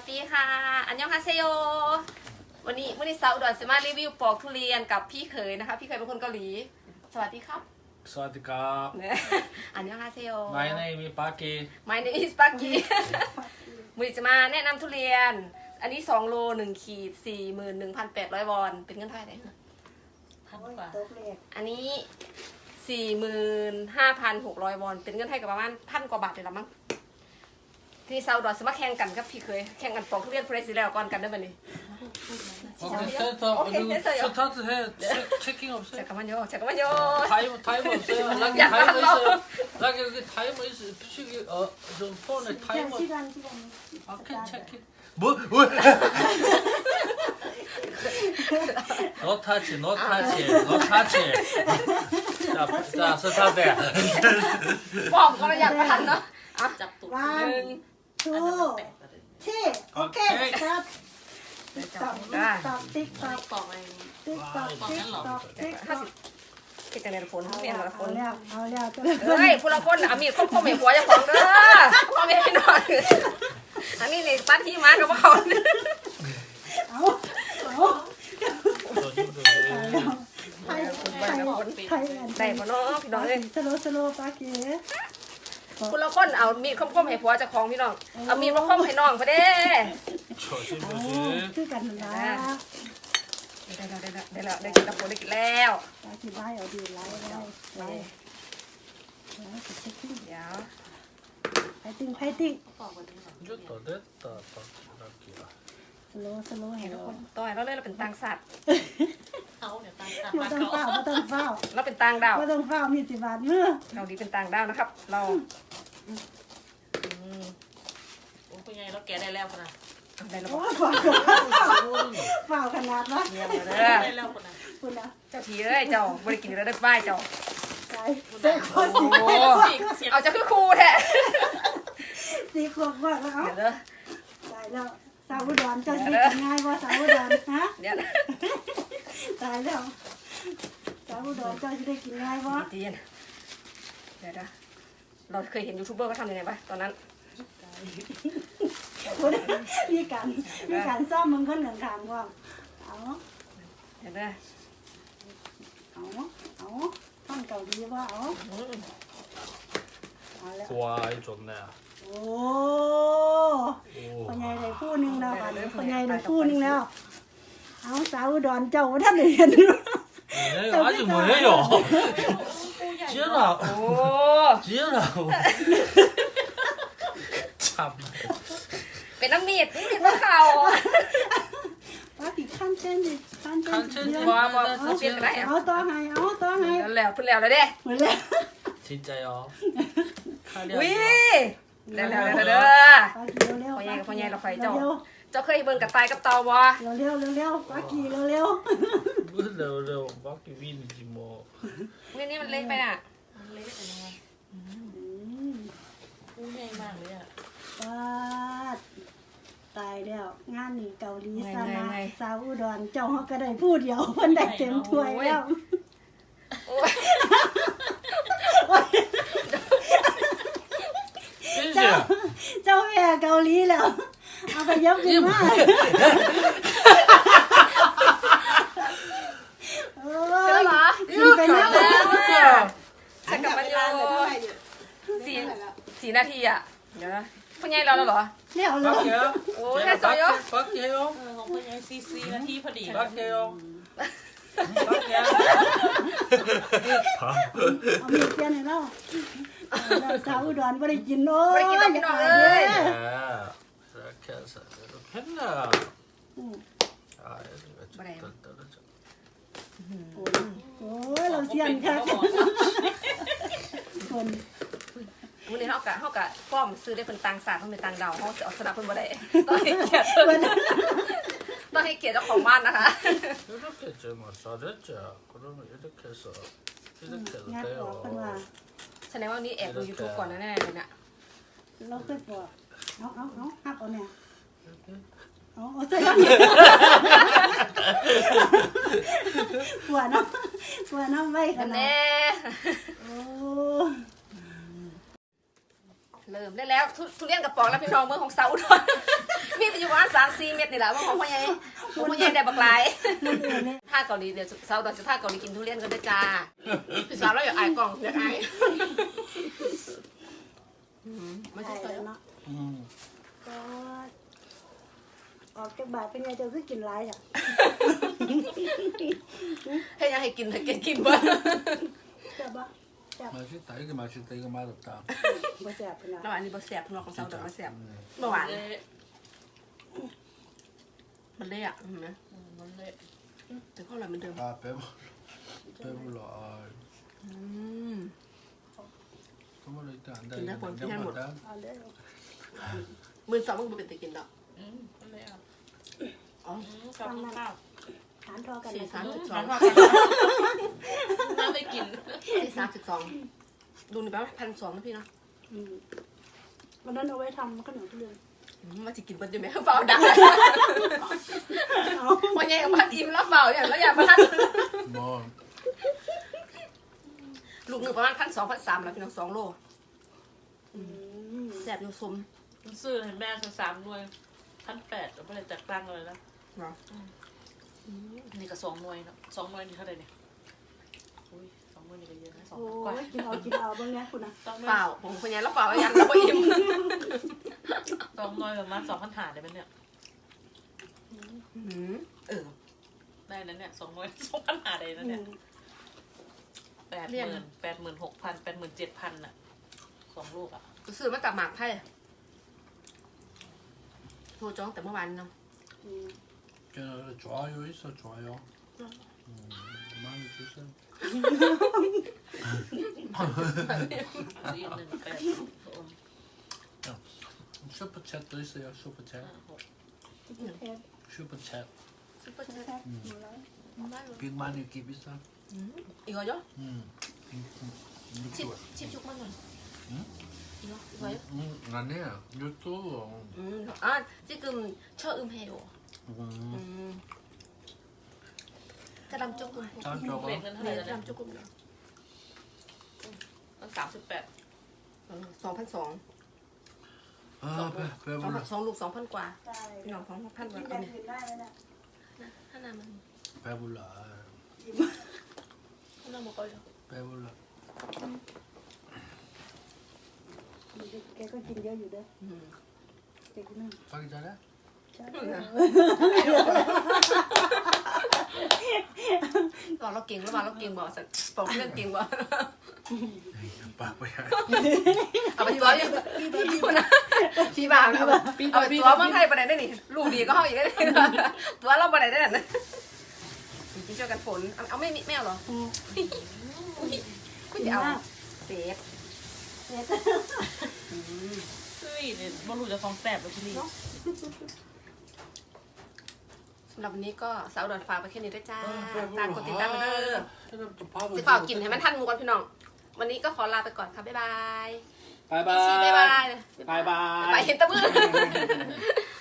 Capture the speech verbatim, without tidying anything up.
ดีค่ะอันยองฮาเซโยวันนี้วันนี้สาวอุดรจะมารีวิวปอกทุเรียนกับพี่เขยนะคะพี่เขยเป็นคนเกาหลีสวัสดีครับสวัสดีครับอันยองฮาเซโย My name is Paki My name is Paki วันนี้จะมาแนะนำทุเรียนอันนี้สองโลหนึ่งขีดสี่หมื่นหนึ่งพันแปดร้อยวอนเป็นเงินเท่าไหร่นะพันกว่าอันนี้สี่หมื่นห้าพันหกร้อยวอนเป็นเงินไทยกับประมาณพันกว่าบาทเลยละมั้งที่ซาอุดอสมาแข่งกันกับพี่เคยแข่งกันปอกทุเรียนเพรสซิแล้วก่อนกันได้ไหมนี่โอเคเสร็จแล้วดูสตาร์ทให้เช็คกิ้งออฟเซ็ต 잠깐만요 잠깐만요 타임 타임 없어요 라기 타임 있어요 라기 여기 타임 있어 시기 어좀 폰에 타임 시간 시간 I can check it 뭐 왜 No touch no touch no touch 자 자 스타트 บอกก็อยากทันเนาะอ่ะจับตุ๊กหนึ่งทูที่โอเคครับตอกตอกติ๊กตอกปอกอะไรนี้ติ๊กตอกติ๊กตอกติ๊กตห้าอกสิบคิดจังเลยฝนเมียนละฝเอานแล้วเอาแล้วก็เฮ้ยผู้ละคนอ่ะมีคนคมเหหัวจะของเด้อพ่อแม่พี่น้องอันนี้ในปั้นที่มากับพวกเขาเอาเอาไทยไทยไทยได้ปะเนาะพี่น้องเอ้ยสโลสโลปาเก๋ผู้ละคนเอามีดคมๆให้ผัวเจ้าของพี่น้องเอามีดมาคมให้น้องพอเด้ 조심 เอา 조심 คือกันนะได้แล้วได้แล้วได้แล้วได้กินแล้วผัวได้กินแล้วปาเก๋ไล่เอาดีไล่ไล่ไล่ไล่เช็คกิ้งเดี๋ยวไพติ้งไพติ้งปอกแบบนี้หรอ 이제 다 됐다 딱 라기야 สโลสโลให้ทุกเราคนต่อยเราเลยเราเป็นต่างสัตว์เขาเนี่ยตามตามไม่มาต้องเขาเฝ้าไม่ต้องเฝ้าเราเป็นต่างดาวไม่ต้องเฝ้ามีสิบบาทมือเราดีเป็นต่างดาวนะครับ เราโอ้คุณยายเราแกได้แล้วคนน่ะได้แล้วโอ้เฝ้าเฝ้าขนาดวะเยี่ยมเลยเด้อได้แล้วคนน่ะคุณนะเจ้าทีเอ้ยเจ้าบริกินแล้วได้ป้ายเจ้าใส่ใส่ข้อสีโอ้สี่เสียงเอาจะคือครูแท้สีขวบว่าแล้วเดี๋ยวเด้อตายแล้วสาวอุดรเจ้าชีวิตง่ายว่าสาวอุดรฮะเดี๋ยวตายแล้วสาวอุดรเจ้าจะได้กินง่ายว่าตีนเดี๋ยวเด้อเราเคยเห็นยูทูบเบอร์เขาทำยังไงปะตอนนั้นมีการมีการซ่อมมึงคนหนึ่งทางว่าเอาเดี๋ยวเด้อเอาเอาท่อนเก่าดีว่าเอาอืมเอาแล้ว 와 이 좋네 โอ้คนใหญ่ได้คู่หนึ่งแล้วคนใหญ่ได้คู่หนึ่งแล้วเอาสาวอุดรเจ้าท่านเห็น 네 아직 뭐예요 지연아 โอ้ 지연아 참 เป็นน้ำมีดนี่มีดมะเขาป้าปีขั้นเส้นดิขั้นเส้น 칸첸 ว้าวว้าวเขาเปลี่ยนกันได้เอาต่อให้เอาต่อให้แล้วแล้วเพิ่นแล้วเลยเด้เหมือนแล้ว 진짜요 วิ 칼리아 แล้วแล้วแล้วเด้อป้ากีเร็วพ่อๆใหญ่กับพ่อใหญ่เราไฟเจ้าเร็วเจ้าเคยเบิ่งกับตายกับเตาบ่ๆเร็วๆเร็วๆป้ากีเร็ว 뭐 레오 레오 밖에 위는지 뭐 นี่นี่มันเล็กไปน่ะมันเล็กแต่ยังไงๆอืมพุ่งใหญ่มากเลยอ่ะป้าดตายแล้วงานนี้เกาหลีซานะสาวอุดรเจ้าเฮาก็ได้พูดเดียวเพิ่นได้เต็มถ้วยแล้วโอ้ยเจ้า 찐지야 เจ้าแม่เกาหลีแล้วเอาไปยับขึ้นมาโอ้เจอย เหรอกินไปแล้วฉันกับมันอยู่สี่สี่นาทีอ่ะเดี๋ยวนะพ่อใหญ่เราแล้วเหรอเร็วเลย 밖에요? 오, 제가 했어요? 밖에, 밖에 해요? เออของคุณยายซีซีนาทีพอดี 밖에요? 밖에야? เอามีเปลี่ยนให้เราเราสาวอุดรบ่ได้กินโอ้บ่ยได้กินดอกพี่น้องเอ้ย 네. 이렇게 해서 이렇게 했나? อืม 아, 여기가 좀 뭐래요? 덜 떨어져. โอ้ยเราเสียนค่ะคนวันนี้เฮากะเฮากะฟ้อมซื้อได้เพิ่นต่างศาสตร์เพิ่นเป็นต่างดาวเฮาสิเอาสนับเพิ่นบ่ได้ต้องให้เกียรติเพิ่นต้องให้เกียรติเจ้าของบ้านนะคะ 이렇게 좀 잘했죠. 그러면 이렇게 해서 이렇게 งัด 해도 ออกเป็นว่า 돼요. แสดงว่าวันนี้แอบดู YouTube ก่อนแน่ๆเลยน่ะเราเคยบอกเอาเอาเอาหักเอาเนี่ย 이렇게. เอาเอาใส่กันหัวน้ำหัวน้ำไว้ขนาดแน่โอ้เริ่มได้แล้วทุทุเรียนกระป๋องแล้วพี่น้องเมืองของเซาอุดรมีไปอยู่ประมาณม็ดนี่แหละว่าของพ่อใหญ่ของพ่อใหญ่ได้บักหลายมันเองเนี่ยถ้าเกาหลีเดี๋ยวสาวดอนจะถ้าเกาหลีกินทุเรียนกันด้วยจ้าพี่สาวเราอยากอายกล่องอยากอายไม่ใช่ใช่แล้วเนาะอืมก็ออกจากบาทเป็นไงเจ้าคือกินไรอ่ะให้ยังให้กินให้กินกินบ้างแซ่บปะแซ่บ 맛있다. 이게 맛있다. 이거 맛없다. บ่แซ่บเป็นไงแล้วอันนี้บะแสบของสาวดอนบะแสบ 음. เมื่อวานเละมันเละอ่ะเห็นไหมอืมมันเละแต่ก็อร่อยเหมือนเดิม 아 배불 배불러. 아, อืม 선물로 일단 안 돼. 근데 이거 뭐 그냥 냉장고다. เอาเด้อมือสองมึงเป็นตะกินดอกอืมมันเละอ่ะอ๋ออืมขอบคุณค่ะหารทอกันสี่นะสามคะสิบสสออง งน่าไปกินสี่สามสิบสองดูนี่แปลว่าพันสองนะพี่เนาะอืมวันนั้นเอาไว้ทำขนมทุเรียนอืมมาจะกินเบิ้ลอยู่ไหมเฝ้าดังเอาวันใหญ่กับพันอิ่มแล้วเฝ้าอย่างแล้วอย่างพัน 뭐 ลูกหนึ่งประมาณพันสองพันสามแล้วพี่น้องสองโลอืมแสบอยู่สมมันซื้อให้แม่สักสามหน่วยพันแปดเราไม่ได้จัดตั้งเลยนะเนาะนี่ก็สองหน่วยเนาะสองหน่วยนี่เท่าไหร่เนี่ยอุ้ยสองหน่วยนี่ก็เยอะนะสองโอ้พันกว่ายกินเอากินเอาบ้างนะคุณนะสองหน่วยเปล่าผมคนนี้แล้วเปล่าอย่างแล้วก็อิ่มสองหน่วยประมาณสองพันหาได้ไหมเนี่ยอืมเออได้นั้นเนี่ยสองหน่วยสองพันหาได้นั้นอืเนี่ยมแปดหมื่นแปดหมื่นหกพันแปดหมื่นเจ็ดพันอ่ะสองลูกอ่ะก็ซื้อมาจากหมากไทยโทรจ้องแต่เมื่อวานเนาะอืม 걔는 좋아요 있어 좋아요. 음, 많이 주세요. สี่หนึ่งแปดสอง 슈퍼챗도 있어요. 슈퍼챗. ห้าหกแทบ 슈퍼챗. ซุปเปอร์เชฟแทบหมดแล้ว 빅마니 깁 있어. อีกเหรอ 음. 음, 음, ชิบ 이거. ชิบชุกมากหน่อยอืมอีกเหรออีกเหรอ 음, 아니야. 유튜브. อืมอ่ะที่กึมเชออึมเฮโอ อื 음. มกระดำจุกกุม 짠 เบ็ด 저거. เงินเท่าไหเนี่ร่ยแล้วกระเนี่ยดำจุกกุมเนาะตั้งสามสิบแปดสองพันสอง 아, 배, สองพัน 배불러. สองลูกสองพันกว่าได้พี่น้องสองพันกกิว่านอเอาย่างเนี่ยอื่นได้แล้วนะถ้านามัน 배불러. ถ้านามันก็เยอะ 배불러. แกก็กินเยอะอยู่เด้ออืมแกกินนั่น 자기 잘해? ใช่ตอนเราเก่งแล้วมาเราเก่งบอกสักบอกเรื่องเก่งบอก 바보야. เอาไปตัวยังพี่นะพี่บางเอาไปเอาไปตัวเมืองไทยไปไหนได้นี่ลูกดีก็เข้าอีกได้นี่ตัวเราไปไหนได้นั่นพี่ช่วยกันฝนเอาไม่ไม่เอาหรออืมคุณจะเอาเซฟเสร็จเฮ้ยเนี่ยบอลลูจะฟองแสบเลยที่นี่สำหรับวันนี้ก็สาวดอนฝากไปแค่นี้ด้วยจ้าฝากกดติดตามไปเด้อ 또 밥을 สิฝากกินให้มันทันหมูกันพี่น้องวันนี้ก็ขอลาไปก่อนค่ะบ๊ายบาย 바이바이. ชีบ๊ายบาย 바이바이. ไปเห็นตะมือ